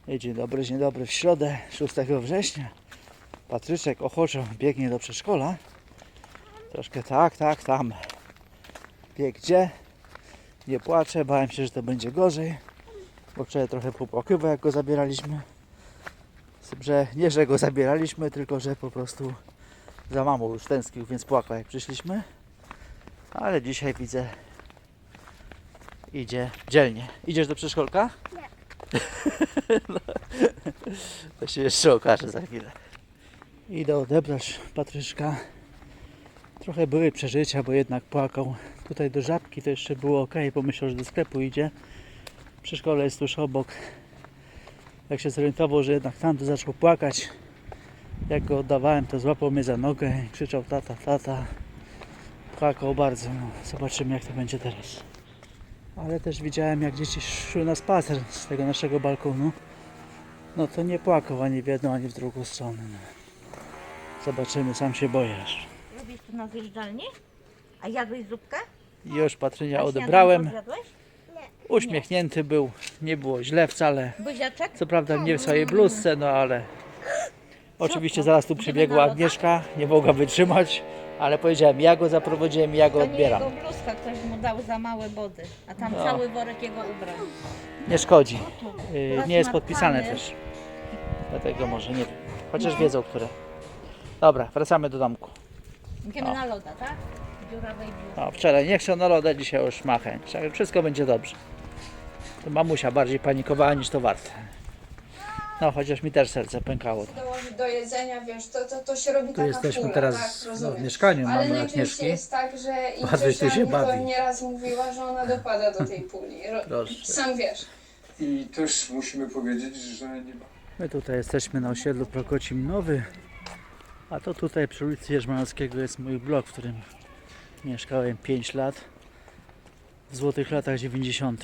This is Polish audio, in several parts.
Dzień dobry. W środę 6 września Patryczek ochoczo biegnie do przedszkola. Troszkę tam. Bieg gdzie? Nie płaczę, bałem się, że to będzie gorzej. Bo wczoraj trochę popłakywał, jak go zabieraliśmy. Że nie, że go zabieraliśmy, tylko że po prostu za mamą już tęsknił, więc płakał jak przyszliśmy. Ale dzisiaj widzę, idzie dzielnie. Idziesz do przedszkolka? Nie. No, to się jeszcze okaże za chwilę. Idę odebrać Patryczka. Trochę były przeżycia, bo jednak płakał. Tutaj do Żabki to jeszcze było ok, pomyślał, że do sklepu idzie. Przedszkole jest tuż obok. Jak się zorientował, że jednak tam, to zaczął płakać. Jak go oddawałem, to złapał mnie za nogę i krzyczał tata. Płakał bardzo. No, zobaczymy, jak to będzie teraz. Ale też widziałem, jak dzieci szły na spacer z tego naszego balkonu. No to nie płakał ani w jedną, ani w drugą stronę. No. Zobaczymy, sam się boję. Lubisz tu na zjeżdżalni? A jadłeś zupkę? Już Patrynia A odebrałem. śniadanko zjadłeś? Uśmiechnięty był. Nie było źle wcale. Buziaczek? Co prawda nie w swojej bluzce, no ale... Oczywiście zaraz tu przybiegła Agnieszka. Nie mogła wytrzymać. Ale powiedziałem, ja go zaprowadziłem i ja go To nie odbieram. jego bluzka, ktoś mu dał za małe body. A tam No. cały worek jego ubrań. Nie szkodzi. Teraz Nie jest ma podpisane plany. też. Dlatego może nie wiem. Chociaż wiedzą, które. Dobra, wracamy do domku. Idziemy na loda, tak? Dziurawej bluzki. No, wczoraj nie chciał na lodę, dzisiaj już ma chęć. Ale wszystko będzie dobrze. To mamusia bardziej panikowała niż to warte. No, chociaż mi też serce pękało. Dołożyć do jedzenia, wiesz, to się robi Tu taka jesteśmy pula, teraz tak, w rozumiem. mieszkaniu Ale mamy najczęściej Agnieszki. jest tak, że Patryś tu Idziusia się mi to bawi. nieraz mówiła, że ona dopada do tej puli. Proszę. Sam wiesz. I też musimy powiedzieć, że nie ma. My tutaj jesteśmy na osiedlu Prokocim Nowy. A to tutaj przy ulicy Jerzmanowskiego jest mój blok, w którym mieszkałem 5 lat. W złotych latach 90.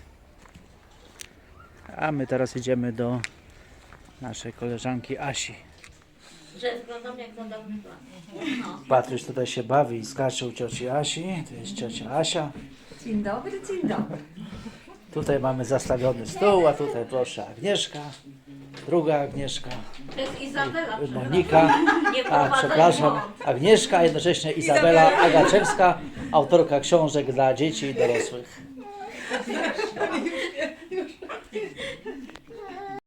A my teraz idziemy do naszej koleżanki Asi. Że wyglądam jak na dawny plan. Patryś tutaj się bawi i skacze u cioci Asi. To jest ciocia Asia. Dzień dobry. Tutaj mamy zastawiony stół, a tutaj proszę Agnieszka. Druga Agnieszka. To jest Izabela. Monika. Nie A, Tak, przepraszam. Agnieszka, a jednocześnie Izabela Agaczewska, autorka książek dla dzieci i dorosłych.